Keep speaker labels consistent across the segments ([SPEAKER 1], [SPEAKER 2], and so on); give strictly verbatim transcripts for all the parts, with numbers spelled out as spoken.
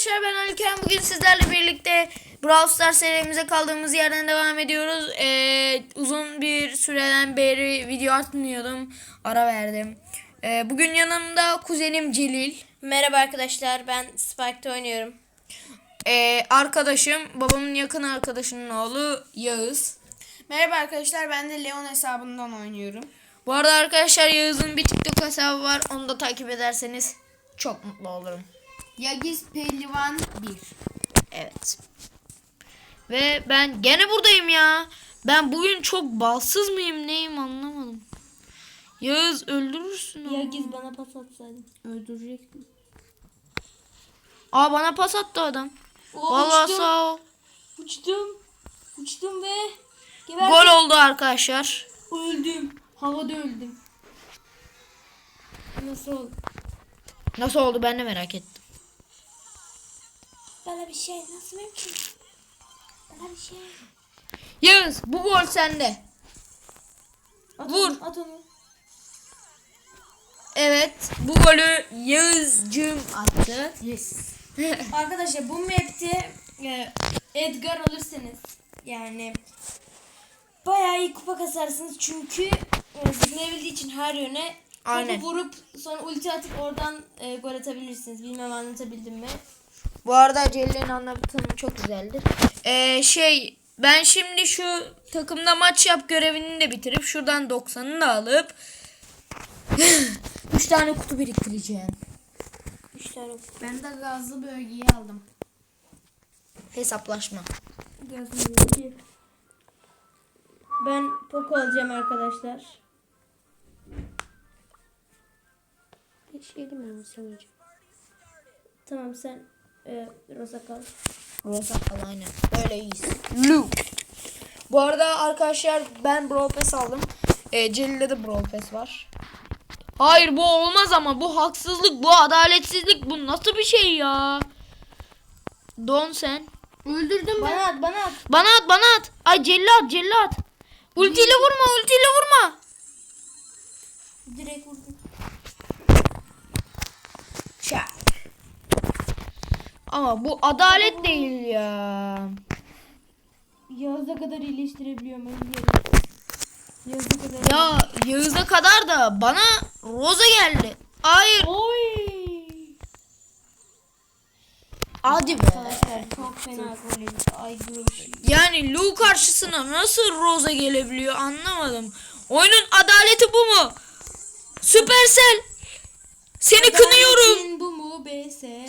[SPEAKER 1] arkadaşlar, ben Aliken. Bugün sizlerle birlikte Brawl Stars serimize kaldığımız yerden devam ediyoruz. Ee, uzun bir süreden beri video atmıyordum. Ara verdim. Ee, bugün yanımda kuzenim Celil.
[SPEAKER 2] Merhaba arkadaşlar, ben Spike'da oynuyorum.
[SPEAKER 1] Ee, arkadaşım, babamın yakın arkadaşının oğlu Yağız.
[SPEAKER 3] Merhaba arkadaşlar, ben de Leon hesabından oynuyorum.
[SPEAKER 1] Bu arada arkadaşlar, Yağız'ın bir TikTok hesabı var. Onu da takip ederseniz çok mutlu olurum.
[SPEAKER 3] Yagiz Pehlivan bir.
[SPEAKER 1] Evet. Ve ben gene buradayım ya. Ben bugün çok balsız mıyım neyim anlamadım. Yağız öldürürsün onu.
[SPEAKER 2] Yagiz bana pas atsaydın.
[SPEAKER 3] Öldürecektim.
[SPEAKER 1] Aa, bana pas attı adam.
[SPEAKER 2] Oo,
[SPEAKER 1] Vallahi
[SPEAKER 2] uçtum.
[SPEAKER 1] sağ ol.
[SPEAKER 2] Uçtum. Uçtum ve geberdim.
[SPEAKER 1] Gol oldu arkadaşlar.
[SPEAKER 2] Öldüm. Havada öldüm. Nasıl oldu?
[SPEAKER 1] Nasıl oldu ben de merak ettim.
[SPEAKER 2] Bana bir şey nasıl mümkün? Bana bir şey.
[SPEAKER 1] Yağız, bu gol sende.
[SPEAKER 2] At
[SPEAKER 1] Vur.
[SPEAKER 2] Onu, at onu.
[SPEAKER 1] Evet, bu golü Yağız'cığım attı.
[SPEAKER 3] Yes.
[SPEAKER 2] Arkadaşlar bu map'te e, Edgar alırsanız yani bayağı iyi kupa kasarsınız çünkü e, zıplayabildiği için her yöne
[SPEAKER 1] Aynen.
[SPEAKER 2] topu vurup sonra ulti atıp oradan e, gol atabilirsiniz. Bilmem anlatabildim mi?
[SPEAKER 1] Bu arada Celil'in anlatımı çok güzeldir. Ee, şey ben şimdi şu takımda maç yap görevini de bitirip şuradan doksanını da alıp üç tane kutu biriktireceğim.
[SPEAKER 2] üç tane
[SPEAKER 3] Ben de gazlı bölgeyi aldım.
[SPEAKER 1] Hesaplaşma.
[SPEAKER 2] gözüm. Ben Poco alacağım arkadaşlar. Geçelim mi sanırım? Tamam sen e, Rosa kal.
[SPEAKER 1] Rosa kal aynen. Böyle iyiyiz. Luke. Bu arada arkadaşlar ben Brawl Pass aldım. Ee, Celil'de de Brawl Pass var. Hayır, bu olmaz ama bu haksızlık, bu adaletsizlik, bu nasıl bir şey ya? Don sen.
[SPEAKER 3] Öldürdüm ben.
[SPEAKER 2] Bana at bana at.
[SPEAKER 1] Bana at, bana at. Ay Celil at, Celil at. Ultiyle vurma, ultiyle vurma.
[SPEAKER 2] Direkt vurdum.
[SPEAKER 1] Çak. Ama bu adalet değil ya.
[SPEAKER 2] Yağız'a kadar iyileştirebiliyorum. Ben Yağız'a kadar.
[SPEAKER 1] Ya Yağız'a kadar da bana Rosa geldi. Hayır.
[SPEAKER 2] Oy.
[SPEAKER 1] Hadi be.
[SPEAKER 2] Arkadaşlar çok fena gol yedik. Ay groş.
[SPEAKER 1] Yani Lu karşısına nasıl Rosa gelebiliyor anlamadım. Oyunun adaleti bu mu? Süpersel. Seni kınıyorum.
[SPEAKER 2] Adaletin bu mu B S?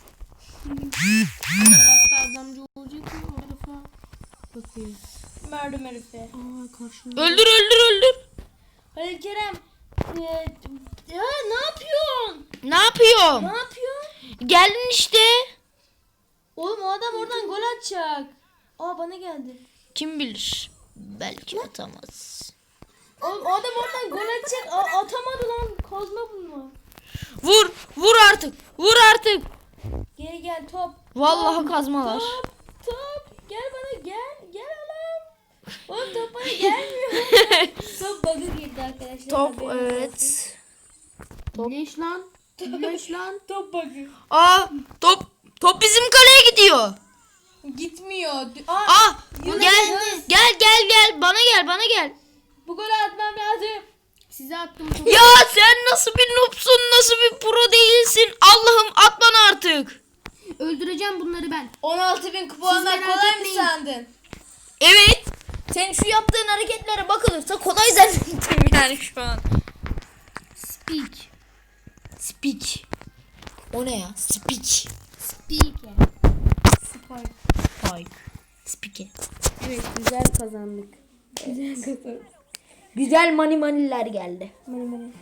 [SPEAKER 3] Tarafta adamcı olacak mı o tarafa? Bakıyor.
[SPEAKER 2] Merdüm herife.
[SPEAKER 3] Aa karşımda.
[SPEAKER 1] Öldür, öldür, öldür.
[SPEAKER 2] Halil Kerem. E, ya ne yapıyorsun?
[SPEAKER 1] Ne yapıyorum?
[SPEAKER 2] Ne yapıyorsun?
[SPEAKER 1] Geldin işte.
[SPEAKER 2] Oğlum o adam oradan gol atacak. Aa bana geldi.
[SPEAKER 1] Kim bilir? Belki atamaz.
[SPEAKER 2] Oğlum o adam oradan gol atacak. A- atamadı lan. Kozma bunu.
[SPEAKER 1] Vur, vur artık. Vur artık.
[SPEAKER 2] Geri gel top.
[SPEAKER 1] Vallahi
[SPEAKER 2] Top,
[SPEAKER 1] kazmalar.
[SPEAKER 2] Top top. Gel bana gel. Gel oğlum. Oğlum top bana gelmiyor. Top bug'a girdi arkadaşlar.
[SPEAKER 1] Top,
[SPEAKER 2] Haberiniz olsun.
[SPEAKER 1] evet.
[SPEAKER 3] Leş lan. Leş lan.
[SPEAKER 2] Top bug'ı.
[SPEAKER 1] Aa, top top bizim kaleye gidiyor.
[SPEAKER 2] Gitmiyor. Aa,
[SPEAKER 1] Aa,
[SPEAKER 2] Yunus,
[SPEAKER 1] gel,
[SPEAKER 2] Yunus.
[SPEAKER 1] gel, gel, gel. Bana gel, bana gel.
[SPEAKER 2] bu golü atmam lazım.
[SPEAKER 3] Size attım topu.
[SPEAKER 1] Ya sen nasıl bir noobsun, nasıl bir pro değilsin? Allah'ım at bana artık.
[SPEAKER 3] Öldüreceğim bunları ben.
[SPEAKER 2] on altı bin kupa almak
[SPEAKER 3] merak
[SPEAKER 2] kolay mı
[SPEAKER 3] etmeyin.
[SPEAKER 2] sandın?
[SPEAKER 1] Evet. Senin şu yaptığın hareketlere bakılırsa kolay zannettim yani şu an.
[SPEAKER 3] Speak.
[SPEAKER 1] Speak. O ne ya? Speak.
[SPEAKER 3] Speak.
[SPEAKER 2] Spike.
[SPEAKER 1] Spike. Speak.
[SPEAKER 2] Evet güzel kazandık. Güzel kazandık.
[SPEAKER 1] Güzel mani maniler geldi.
[SPEAKER 2] Mani mani.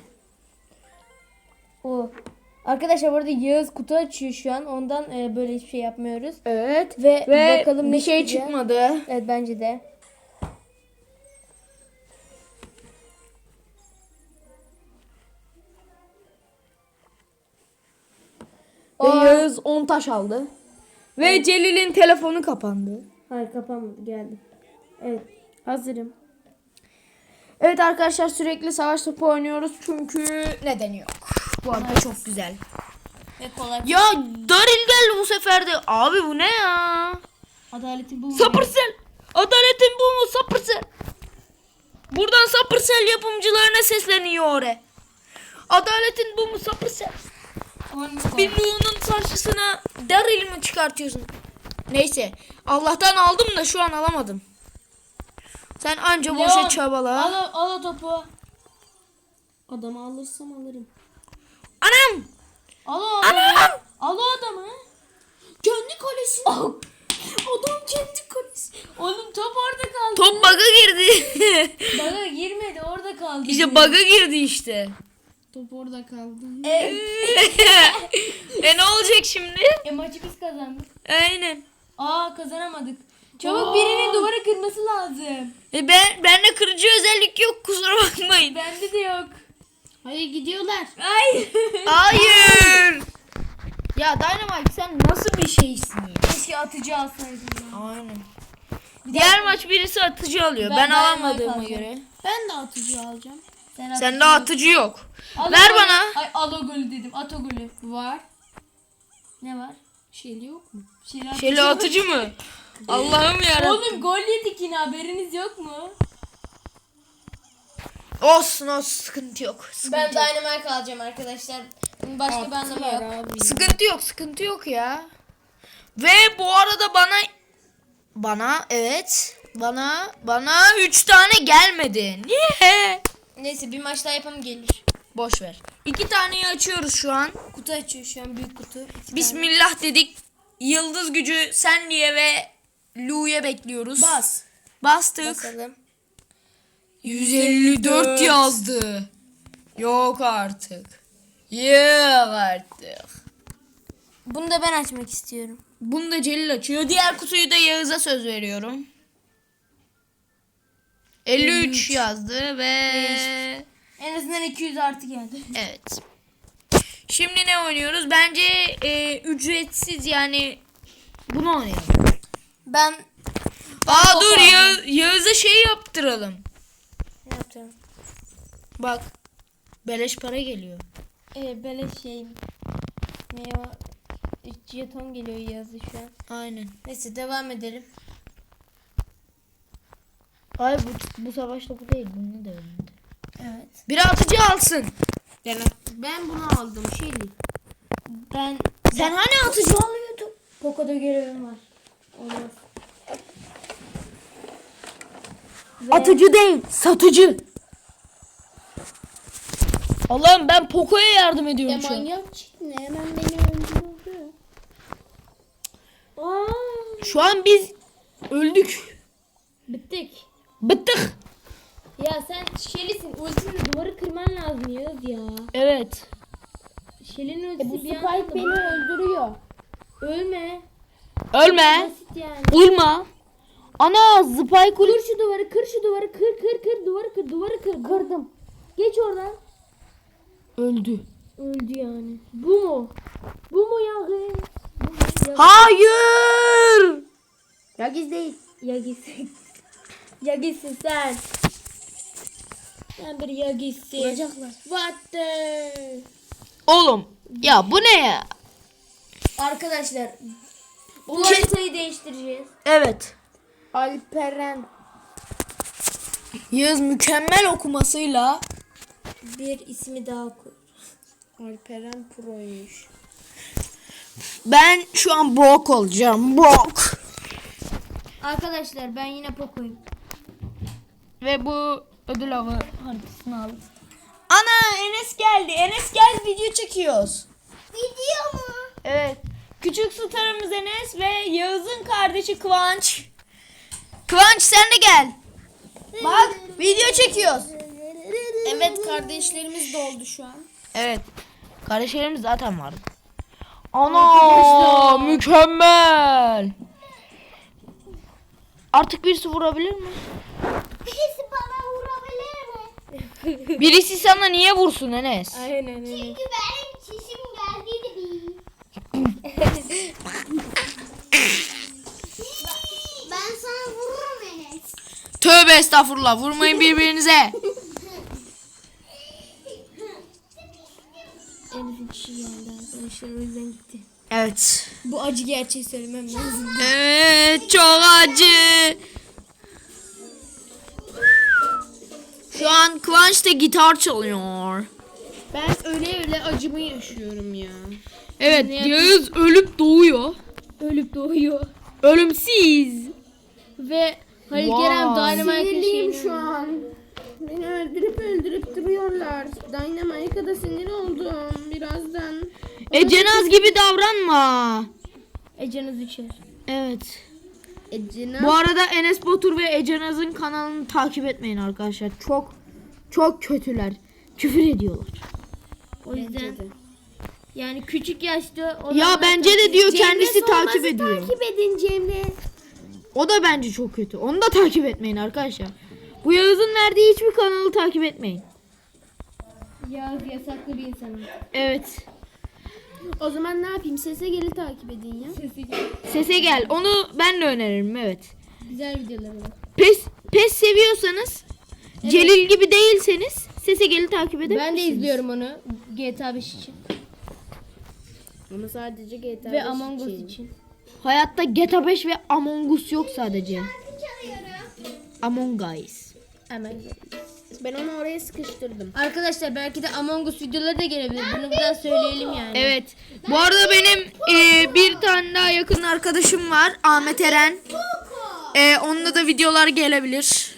[SPEAKER 2] O. Arkadaşlar bu arada Yağız kutu açıyor şu an. Ondan e, böyle hiçbir şey yapmıyoruz.
[SPEAKER 1] Evet.
[SPEAKER 2] Ve,
[SPEAKER 1] Ve
[SPEAKER 2] bakalım
[SPEAKER 1] bir
[SPEAKER 2] ne
[SPEAKER 1] şey
[SPEAKER 2] çıkacak.
[SPEAKER 1] çıkmadı.
[SPEAKER 2] Evet bence de.
[SPEAKER 1] Ve
[SPEAKER 2] Aa.
[SPEAKER 1] Yağız on taş aldı. Ve Celil'in telefonu kapandı.
[SPEAKER 2] Hayır kapanmadı geldi. Evet hazırım.
[SPEAKER 1] Evet arkadaşlar, sürekli savaş topu oynuyoruz çünkü nedeni yok. Bu arada çok güzel.
[SPEAKER 2] Ve kolay.
[SPEAKER 1] Ya Daryl geldi bu sefer de. Abi bu ne ya?
[SPEAKER 2] Adaletin bu mu?
[SPEAKER 1] Supercell. Adaletin bu mu? Supercell. Buradan Supercell yapımcılarına sesleniyor oraya. Adaletin bu mu? Supercell. Bir Lu'nun karşısına Daryl'i mi çıkartıyorsun? Neyse. Allah'tan aldım da şu an alamadım. Sen anca boşa
[SPEAKER 2] Leon,
[SPEAKER 1] çabala.
[SPEAKER 2] Al, o- al o topu.
[SPEAKER 3] Adamı alırsam alırım.
[SPEAKER 1] Anam!
[SPEAKER 2] Al o adamı.
[SPEAKER 1] Anam!
[SPEAKER 2] Al o adamı.
[SPEAKER 3] Kendi kalesi. Adam kendi kalesi.
[SPEAKER 2] Oğlum top orada kaldı.
[SPEAKER 1] Top bug'a girdi.
[SPEAKER 2] Bana girmedi orada kaldı.
[SPEAKER 1] İşte bug'a girdi işte.
[SPEAKER 3] Top orada kaldı.
[SPEAKER 2] E,
[SPEAKER 1] E ne olacak şimdi?
[SPEAKER 2] e maçı biz kazandık.
[SPEAKER 1] Aynen.
[SPEAKER 2] Aa kazanamadık. Çabuk birinin duvara kırması lazım.
[SPEAKER 1] E ben bende kırıcı özellik yok, kusura bakmayın.
[SPEAKER 2] Bende de yok.
[SPEAKER 3] Hayır gidiyorlar.
[SPEAKER 2] Ay.
[SPEAKER 1] Hayır. Ya Dynamite sen nasıl bir şeysin ya?
[SPEAKER 2] Keşke atıcı alsaydım ya.
[SPEAKER 1] Aynen. Diğer maç birisi atıcı alıyor. Ben,
[SPEAKER 2] Ben Dynamite
[SPEAKER 1] alamadığıma
[SPEAKER 2] alacağım.
[SPEAKER 1] göre.
[SPEAKER 3] Ben de atıcı alacağım.
[SPEAKER 2] Sen
[SPEAKER 1] Sende atıcı yok.
[SPEAKER 2] Al
[SPEAKER 1] Ver
[SPEAKER 2] o
[SPEAKER 1] bana.
[SPEAKER 2] golü. Ay al o golü dedim. At o golü.
[SPEAKER 3] Var.
[SPEAKER 2] Ne var?
[SPEAKER 3] Şeyli yok mu?
[SPEAKER 2] Şirin
[SPEAKER 1] Şöyle atıcı mı? Allah'ım yarabbim.
[SPEAKER 2] Oğlum gol yedik yine haberiniz yok mu?
[SPEAKER 1] Olsun olsun, sıkıntı yok. Sıkıntı
[SPEAKER 2] Ben
[SPEAKER 1] yok.
[SPEAKER 2] Dynamite alacağım arkadaşlar. Başka bir anlamı
[SPEAKER 3] Attılar
[SPEAKER 2] yok.
[SPEAKER 3] abi.
[SPEAKER 1] Sıkıntı yok, sıkıntı yok ya. Ve bu arada bana bana evet bana bana üç tane gelmedi. Niye?
[SPEAKER 2] Neyse bir maç daha yapalım gelir.
[SPEAKER 1] Boş ver. İki taneyi açıyoruz şu an.
[SPEAKER 2] Kutu açıyor şu an büyük kutu. İki tane.
[SPEAKER 1] Bismillah dedik. Yıldız gücü Sandy'ye ve Lu'ya bekliyoruz.
[SPEAKER 2] Bas.
[SPEAKER 1] Bastık.
[SPEAKER 2] Basalım.
[SPEAKER 1] yüz elli dört yazdı. Yok artık. Yok artık.
[SPEAKER 2] Bunu da ben açmak istiyorum.
[SPEAKER 1] Bunu da Celil açıyor. Diğer kutuyu da Yağız'a söz veriyorum. elli üç yazdı ve
[SPEAKER 2] En azından iki yüz artı geldi.
[SPEAKER 1] evet. Şimdi ne oynuyoruz? Bence e, ücretsiz, yani bunu oynayalım.
[SPEAKER 2] Ben
[SPEAKER 1] Aa
[SPEAKER 2] topu
[SPEAKER 1] dur
[SPEAKER 2] aldım.
[SPEAKER 1] ya, Yağız'a şey yaptıralım.
[SPEAKER 2] ne yapacağım?
[SPEAKER 1] Bak. Beleş para geliyor.
[SPEAKER 2] Ee, böyle şey. Ne o? üç jeton geliyor yazı şu an.
[SPEAKER 1] Aynen.
[SPEAKER 2] Neyse devam edelim.
[SPEAKER 1] Hayır bu, bu savaş topu değil. Bunu da önünde.
[SPEAKER 2] Evet.
[SPEAKER 1] Biri atıcı alsın.
[SPEAKER 3] Ben bunu aldım. Şeyli.
[SPEAKER 2] Ben
[SPEAKER 1] Sen hani atıcı alıyordun?
[SPEAKER 2] Poco'da görevim var. Olmaz.
[SPEAKER 1] Atıcı değil, satıcı. Allah'ım ben Poco'ya yardım ediyorum
[SPEAKER 3] Ya
[SPEAKER 1] şu an.
[SPEAKER 3] manyak çıktı ne? Hemen beni öldürdü.
[SPEAKER 2] Aa,
[SPEAKER 1] Şu an biz öldük.
[SPEAKER 2] bittik.
[SPEAKER 1] Bittik.
[SPEAKER 2] Ya sen Shelly'sin. Ultinle duvarı kırman lazım Yağız ya.
[SPEAKER 1] Evet.
[SPEAKER 2] Shelly'nin
[SPEAKER 3] E, bu
[SPEAKER 2] ultisi bir
[SPEAKER 3] Spike
[SPEAKER 2] anda
[SPEAKER 3] beni öldürüyor.
[SPEAKER 2] ölme.
[SPEAKER 1] Ölme.
[SPEAKER 2] Basit yani.
[SPEAKER 1] Ulma. Ana Spike
[SPEAKER 2] Kır şu duvarı, kır şu duvarı, kır kır kır duvarı kır, duvarı kır. Kırdım. Geç oradan.
[SPEAKER 1] öldü.
[SPEAKER 2] Öldü yani. Bu mu? Bu mu Yağız? Bu mu? Ya,
[SPEAKER 1] Hayır.
[SPEAKER 2] ya giz değil. Ya gitsin. Ya gitsin sen. Sen bir ya gitsin.
[SPEAKER 3] Vuracaklar.
[SPEAKER 2] What the?
[SPEAKER 1] Oğlum ya bu ne ya?
[SPEAKER 2] Arkadaşlar bu haritayı değiştireceğiz.
[SPEAKER 1] Evet.
[SPEAKER 2] Alperen
[SPEAKER 1] Yağız mükemmel okumasıyla
[SPEAKER 2] bir ismi daha koy.
[SPEAKER 3] Alperen Pro'ymuş.
[SPEAKER 1] ben şu an Brock olacağım. Brock.
[SPEAKER 2] Arkadaşlar ben yine Poco'yum.
[SPEAKER 1] Ve bu ödül avı haritasını aldım. Ana Enes geldi. Enes gel, video çekiyoruz.
[SPEAKER 2] Video mu?
[SPEAKER 1] Evet. Küçük starımız Enes ve Yağız'ın kardeşi Kıvanç. Kıvanç sen de gel. Bak video çekiyoruz.
[SPEAKER 2] Evet kardeşlerimiz de oldu şu an.
[SPEAKER 1] Evet. Kardeşlerimiz zaten vardı. Ana mükemmel. Artık birisi vurabilir mi?
[SPEAKER 2] Birisi bana vurabilir mi?
[SPEAKER 1] Birisi sana niye vursun Enes?
[SPEAKER 2] Aynen aynen.
[SPEAKER 4] Çünkü benim çişim geldiydi bir. Ben sana vururum Enes.
[SPEAKER 1] Tövbe estağfurullah, vurmayın birbirinize.
[SPEAKER 2] Enes'in kişi geldi arkadaşlar o yüzden
[SPEAKER 1] Evet.
[SPEAKER 2] Bu acı gerçeği söylemem lazım.
[SPEAKER 1] Evet, çok acı. Şu an Kıvanç da gitar çalıyor.
[SPEAKER 3] Ben öyle öyle acımı yaşıyorum ya.
[SPEAKER 1] Evet,
[SPEAKER 3] Ne
[SPEAKER 1] Yağız ölüp doğuyor.
[SPEAKER 3] Ölüp doğuyor.
[SPEAKER 1] Ölümsüz.
[SPEAKER 3] Ve Halil
[SPEAKER 1] Vay.
[SPEAKER 3] Kerem Dynamite'ın
[SPEAKER 2] Sinirliyim
[SPEAKER 3] şeyini-
[SPEAKER 2] şu an.
[SPEAKER 3] Beni öldürüp öldürüp duruyorlar. Dynamite'a da sinir oldum birazdan.
[SPEAKER 1] Ecenaz gibi davranma.
[SPEAKER 3] Ecenaz içer.
[SPEAKER 1] Evet.
[SPEAKER 3] Ecenaz.
[SPEAKER 1] Bu arada Enes Batur ve Ecenaz'ın kanalını takip etmeyin arkadaşlar. Çok çok kötüler. Küfür ediyorlar.
[SPEAKER 3] O yüzden. Yani küçük yaşta o
[SPEAKER 1] Ya
[SPEAKER 3] zaman-
[SPEAKER 1] bence de diyor kendisi
[SPEAKER 2] Cemre
[SPEAKER 1] takip
[SPEAKER 2] Solmaz'ı
[SPEAKER 1] ediyor.
[SPEAKER 2] Takip edin Cemre.
[SPEAKER 1] O da bence çok kötü. Onu da takip etmeyin arkadaşlar. Bu Yağız'ın verdiği hiçbir kanalı takip etmeyin.
[SPEAKER 3] Yağız yasaklı bir insanım.
[SPEAKER 1] Evet.
[SPEAKER 3] O zaman ne yapayım? Sese geli takip edin ya. Sese gel.
[SPEAKER 1] Sese gel. Onu ben de öneririm. Evet.
[SPEAKER 3] Güzel videoları var.
[SPEAKER 1] Pes pes seviyorsanız, Celil gibi değilseniz Sese Gel'i takip edebilirsiniz.
[SPEAKER 3] Ben de izliyorum onu G T A beş için. Ama sadece G T A ve Among Us için.
[SPEAKER 1] Hayatta G T A beş ve Among Us yok sadece. Among Us.
[SPEAKER 3] Hemen. Ben onu oraya sıkıştırdım. Arkadaşlar belki de Among Us videoları da gelebilir. Bunu buradan söyleyelim yani.
[SPEAKER 1] Evet. Bu arada benim e, bir tane daha yakın arkadaşım var. Ahmet Eren. E, onunla da videolar gelebilir.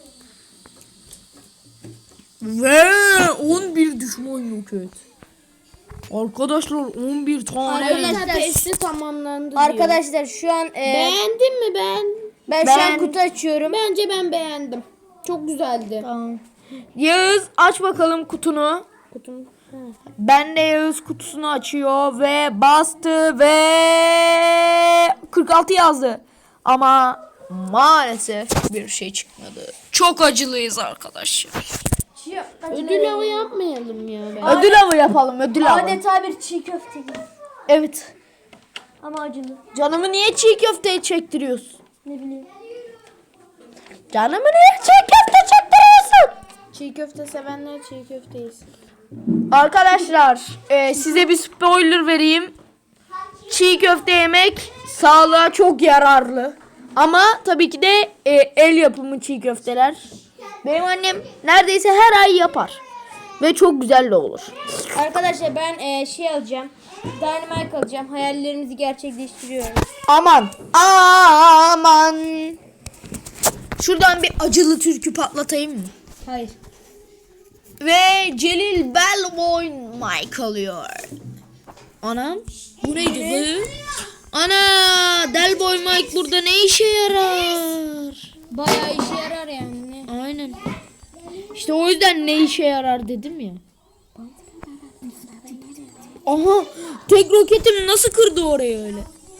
[SPEAKER 1] Ve on bir düşman yok et. Arkadaşlar on bir tane.
[SPEAKER 3] Arkadaşlar testi tamamlandı diyor.
[SPEAKER 2] Arkadaşlar şu an e,
[SPEAKER 3] Beğendin mi ben?
[SPEAKER 2] ben, şu an kutu açıyorum.
[SPEAKER 3] Bence ben beğendim. Çok güzeldi.
[SPEAKER 1] Tamam. Yağız aç bakalım kutunu.
[SPEAKER 3] Kutum.
[SPEAKER 1] Ben de Yağız kutusunu açıyor ve bastı ve kırk altı yazdı. Ama maalesef bir şey çıkmadı. Çok acılıyız arkadaşlar.
[SPEAKER 3] Ödül avı yapmayalım ya. Ben.
[SPEAKER 1] Ödül avı yapalım, ödül avı.
[SPEAKER 2] Adeta bir çiğ köfte gibi.
[SPEAKER 1] Evet.
[SPEAKER 2] Ama acılı.
[SPEAKER 1] Canımı niye çiğ köfteye çektiriyorsun?
[SPEAKER 2] Ne bileyim.
[SPEAKER 1] Canımı niye çiğ köfte çektiriyorsun?
[SPEAKER 3] Çiğ köfte sevenler çiğ köfte yesin.
[SPEAKER 1] Arkadaşlar e, size bir spoiler vereyim. Çiğ köfte yemek sağlığa çok yararlı. Ama tabii ki de e, el yapımı çiğ köfteler. Benim annem neredeyse her ay yapar. Ve çok güzel de olur.
[SPEAKER 2] Arkadaşlar ben e, şey alacağım. Dynamite alacağım. Hayallerimizi gerçekleştiriyoruz.
[SPEAKER 1] Aman aman. Şuradan bir acılı türkü patlatayım mı?
[SPEAKER 2] Hayır.
[SPEAKER 1] Ve Celil Bellboy Mike alıyor. Anam bu neydi bu? Ana Delboy Mike burada ne işe yarar?
[SPEAKER 2] Bayağı işe yarar yani.
[SPEAKER 1] Aynen. İşte o yüzden ne işe yarar dedim ya. Aha tek roketim nasıl kırdı orayı öyle?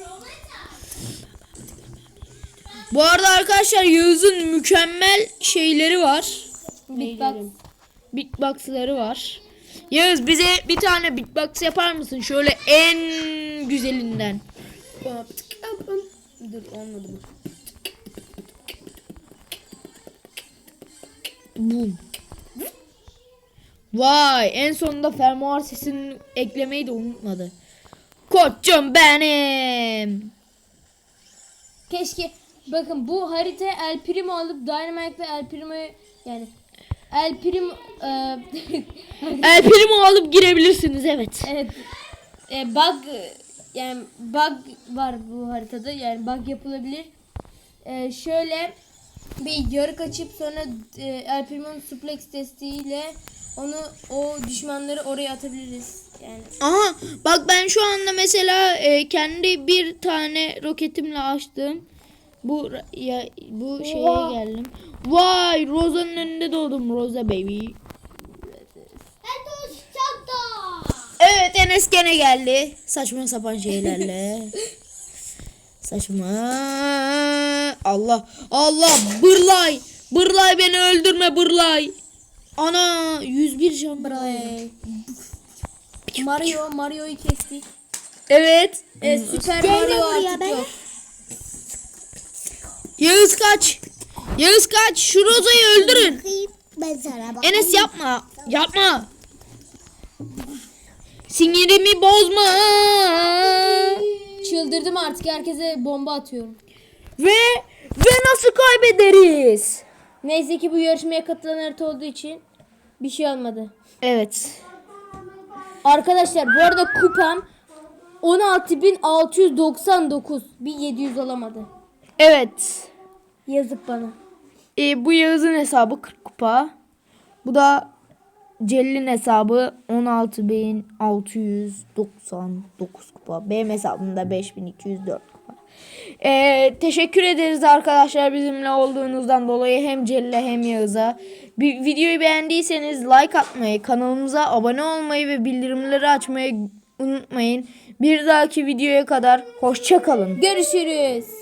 [SPEAKER 1] Bu arada arkadaşlar Yağız'ın mükemmel şeyleri var.
[SPEAKER 2] Beatbox.
[SPEAKER 1] Beatbox'ları var. Yağız bize bir tane beatbox yapar mısın? Şöyle en güzelinden.
[SPEAKER 3] Dur olmadı mı?
[SPEAKER 1] Boom. Vay en sonunda fermuar sesini eklemeyi de unutmadı. Koçum benim.
[SPEAKER 2] Keşke bakın bu harita El Primo alıp Dynamite ve El Primo'yu yani El Primo e,
[SPEAKER 1] El Primo alıp girebilirsiniz evet.
[SPEAKER 2] evet e, bug yani bug var bu haritada yani bug yapılabilir. E, şöyle bir yarık açıp sonra e, El Primo'nun suplex testiyle onu o düşmanları oraya atabiliriz. Yani
[SPEAKER 1] Aha bak ben şu anda mesela e, kendi bir tane roketimle açtım. Bu ya bu şeye
[SPEAKER 2] Oha.
[SPEAKER 1] geldim. Vay Rosa'nın önünde doğdum Rosa baby. Evet Enes gene geldi. Saçma sapan şeylerle. Saçma. Allah Allah bırlay. Bırlay beni öldürme bırlay. Ana yüz bir can bırlay.
[SPEAKER 2] Mario Mario'yu kestik.
[SPEAKER 1] Evet.
[SPEAKER 2] E, Süper Mario artık yok.
[SPEAKER 1] Yağız kaç. Yağız kaç. Şu Roza'yı öldürün.
[SPEAKER 4] Ben sana bak.
[SPEAKER 1] Enes yapma. Yapma. Sinirimi bozma.
[SPEAKER 2] Çıldırdım artık, herkese bomba atıyorum.
[SPEAKER 1] Ve ve nasıl kaybederiz?
[SPEAKER 2] Neyse ki bu yarışmaya katılan harita olduğu için bir şey olmadı.
[SPEAKER 1] Evet.
[SPEAKER 2] Arkadaşlar bu arada kupam on altı bin altı yüz doksan dokuz. Bir yedi yüz olamadı.
[SPEAKER 1] Evet.
[SPEAKER 2] Yazık bana.
[SPEAKER 1] E, bu Yağız'ın hesabı kırk kupa. Bu da Celil'in hesabı on altı bin altı yüz doksan dokuz kupa. Benim hesabımda beş bin iki yüz dört kupa. E, teşekkür ederiz arkadaşlar bizimle olduğunuzdan dolayı hem Celil'e hem Yağız'a. Bir videoyu beğendiyseniz like atmayı, kanalımıza abone olmayı ve bildirimleri açmayı unutmayın. Bir dahaki videoya kadar hoşça kalın.
[SPEAKER 2] Görüşürüz.